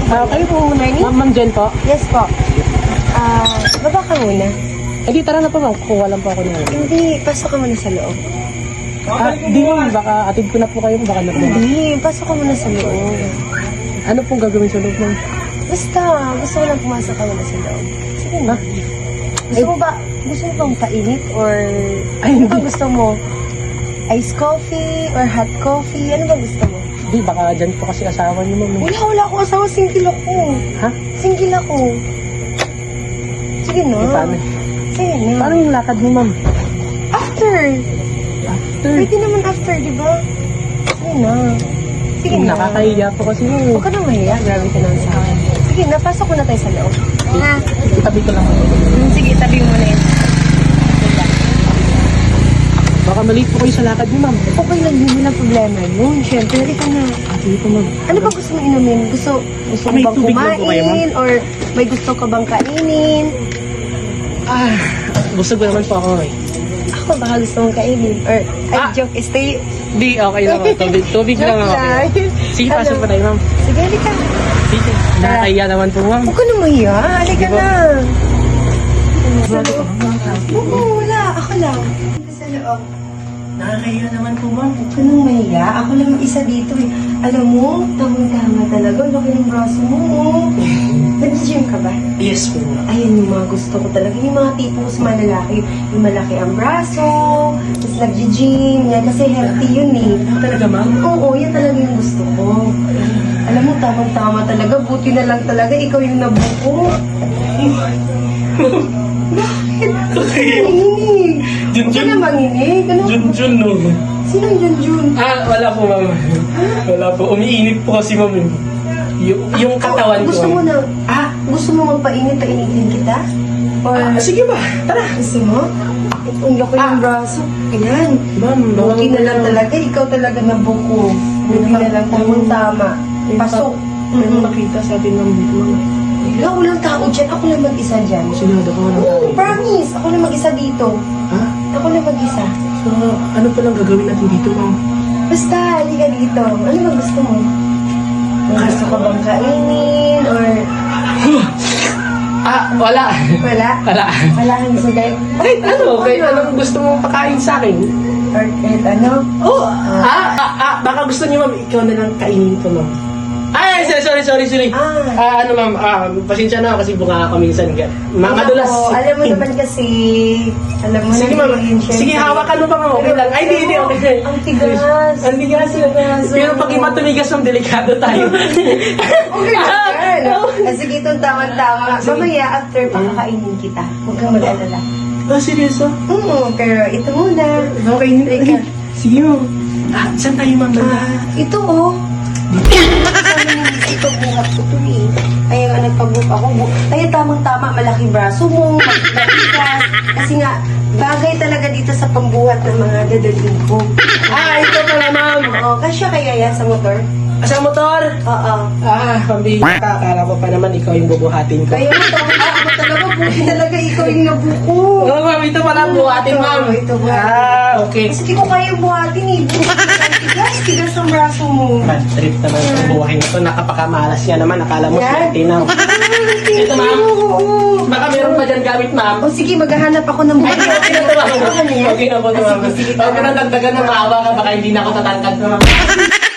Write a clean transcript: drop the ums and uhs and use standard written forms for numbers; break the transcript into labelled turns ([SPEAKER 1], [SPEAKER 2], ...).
[SPEAKER 1] Kayo po muna.
[SPEAKER 2] Morning.
[SPEAKER 1] Ma'am Jen po.
[SPEAKER 2] Yes po. Baba ka muna.
[SPEAKER 1] Di, tara na po ma'am. Kukuha lang po ako niya.
[SPEAKER 2] Hindi, pasok ka muna sa loob.
[SPEAKER 1] Di ma'am, baka atid ko na po kayo. Baka na po.
[SPEAKER 2] Hindi, pasok ka muna sa loob.
[SPEAKER 1] Ano pong gagawin sa loob ma'am?
[SPEAKER 2] Basta, gusto ko lang pumasok ka muna sa loob. Sige na.
[SPEAKER 1] Ha?
[SPEAKER 2] Gusto mo bang painit or
[SPEAKER 1] Ay,
[SPEAKER 2] ano
[SPEAKER 1] hindi.
[SPEAKER 2] bang gusto mo? Ice coffee or hot coffee? Ano bang gusto mo?
[SPEAKER 1] Di, baka dyan po kasi asawa niyo ma'am.
[SPEAKER 2] Wala akong asawa. Single ako.
[SPEAKER 1] Ha?
[SPEAKER 2] Single ako. Sige na.
[SPEAKER 1] Paano?
[SPEAKER 2] Sige na.
[SPEAKER 1] Paano yung lakad mo ma'am?
[SPEAKER 2] After.
[SPEAKER 1] After.
[SPEAKER 2] Pwede naman after, di ba? Sige na. Sige na.
[SPEAKER 1] Nakakahiya po kasi ma'am.
[SPEAKER 2] Huwag ka nang mahiya. Grabe ka naman sa akin. Sige na, pasok muna tayo sa loob. Ha?
[SPEAKER 1] Itabi ko lang.
[SPEAKER 2] Sige, tabi mo na yun.
[SPEAKER 1] Baka mali po kayo sa lakad niyo ma'am.
[SPEAKER 2] Okay lang yun, walang problema yun. Siyempre, halika na.
[SPEAKER 1] Sige po ma'am.
[SPEAKER 2] Ano ba gusto mong inumin? Gusto mo
[SPEAKER 1] May
[SPEAKER 2] bang
[SPEAKER 1] tubig lang po kayo,
[SPEAKER 2] kumain? Or may gusto ka bang kainin?
[SPEAKER 1] Busog naman po ako eh.
[SPEAKER 2] Ako, baka gusto mong kainin. Or, joke, stay.
[SPEAKER 1] Di, okay lang po. Tubig lang
[SPEAKER 2] Joke
[SPEAKER 1] ako.
[SPEAKER 2] lang.
[SPEAKER 1] Sige, pasok
[SPEAKER 2] Ano?
[SPEAKER 1] pa tayo ma'am.
[SPEAKER 2] Sige, halika.
[SPEAKER 1] Sige. Nakakahiya naman po ma'am.
[SPEAKER 2] Huwag ka nang mahiya. Halika
[SPEAKER 1] Di ba?
[SPEAKER 2] na. Sa loob. Oo, wala. Ako lang. Sa loob.
[SPEAKER 1] Nakakahiya naman po ma'am.
[SPEAKER 2] Huwag ka nang mahiya. Ako lang isa dito eh. Alam mo, tamang-tama talaga. Laki ng braso mo. Oh. Nag-gym ka ba?
[SPEAKER 1] Yes po ma'am.
[SPEAKER 2] Ayun yung mga gusto ko talaga. Yung mga tipo ko sa mga lalaki. Yung malaki ang braso. Tapos nag-gym. Yan. Kasi healthy yun eh.
[SPEAKER 1] Talaga ma'am?
[SPEAKER 2] Oo, yan talaga yung gusto ko. Alam mo, tamang-tama talaga. Buti na lang talaga. Ikaw yung nabuko. Bakit? Nanginig. Huwag ka na manginig. Ano?
[SPEAKER 1] Junjun no.
[SPEAKER 2] Sinong Junjun?
[SPEAKER 1] Wala po ma'am. Wala po. Umiinit po kasi ma'am. Yung katawan ko.
[SPEAKER 2] Gusto mo na, gusto mo magpainit, painitin kita? Or,
[SPEAKER 1] Sige ba? Tara.
[SPEAKER 2] gusto mo? Ang laki ng braso. Ayan.
[SPEAKER 1] Ma'am,
[SPEAKER 2] Buti na lang talaga. Ikaw talaga nabuko. Buti na lang tamang-tama. Pasok.
[SPEAKER 1] Ano nakita sa atin ng ma'am?
[SPEAKER 2] Wala, walang tao dyan. Ako lang mag-isa dyan.
[SPEAKER 1] Sinado ko ng
[SPEAKER 2] Oo, promise. Ako lang mag-isa dito.
[SPEAKER 1] Ha?
[SPEAKER 2] Ako lang mag-isa.
[SPEAKER 1] So, ano palang gagawin natin dito ma'am?
[SPEAKER 2] Basta, halika dito. Ano ba gusto mo? May gusto ka bang kainin? Or
[SPEAKER 1] Wala.
[SPEAKER 2] wala?
[SPEAKER 1] Wala.
[SPEAKER 2] Wala kang gusto kayo?
[SPEAKER 1] Kahit ano, kahit anong gusto mong pakain sa akin.
[SPEAKER 2] Or kahit ano?
[SPEAKER 1] Baka gusto niyo ma'am, ikaw na lang kainin ko ma'am. Sorry. Ano ma'am, pasensya na ako kasi bunga ka minsan. Madulas.
[SPEAKER 2] Ako, alam mo naman kasi, alam mo
[SPEAKER 1] Sige
[SPEAKER 2] na
[SPEAKER 1] ma'am,
[SPEAKER 2] yun, syempre.
[SPEAKER 1] sige hawakan mo pa ma'am, okay lang. Ay, di, okay.
[SPEAKER 2] Ang tigas.
[SPEAKER 1] Ang tigas. Pero pag iba tumigas ma'am, delikado tayo.
[SPEAKER 2] Okay lang yan. Sige, itong tama-tama. Mamaya, after, pakakainin kita. Huwag kang mag-alala.
[SPEAKER 1] Seryoso?
[SPEAKER 2] Pero ito muna.
[SPEAKER 1] Okay,
[SPEAKER 2] Teka.
[SPEAKER 1] sige ma'am. Saan tayo ma'am?
[SPEAKER 2] Ito oh. Ito buhat ko to eh. Kaya nga nagpag-book ako. Kaya tamang-tama, malaking braso mo, matigas. Kasi nga, bagay talaga dito sa pambuhat ng mga dadalhin ko.
[SPEAKER 1] Ito pala ma'am.
[SPEAKER 2] Oo, kasya kaya yan sa motor?
[SPEAKER 1] Sa motor?
[SPEAKER 2] Oo.
[SPEAKER 1] Pambihita. Akala ko pa naman ikaw yung bubuhatin ko.
[SPEAKER 2] Kaya mo, tamang-tama talaga. Buti talaga ikaw yung nabuko.
[SPEAKER 1] Oo ma'am, ito pala buhatin ma'am.
[SPEAKER 2] Ito ba?
[SPEAKER 1] Okay.
[SPEAKER 2] Kasi di ko kaya buhatin eh. Tigas ang braso mo.
[SPEAKER 1] Bad trip naman ang buhay nito. Nakapakamalas yan naman. Akala mo
[SPEAKER 2] Yan.
[SPEAKER 1] tinaw. Ito ma'am.
[SPEAKER 2] Oo.
[SPEAKER 1] Baka meron pa dyan gamit ma'am.
[SPEAKER 2] O sige, maghahanap ako ng buhay.
[SPEAKER 1] Okay na to ma'am.
[SPEAKER 2] Ano yan?
[SPEAKER 1] Okay na po to ma'am.
[SPEAKER 2] Sige, sige.
[SPEAKER 1] Huwag ka na dagdagan ng maawa ka. Baka hindi na ako tatangkad.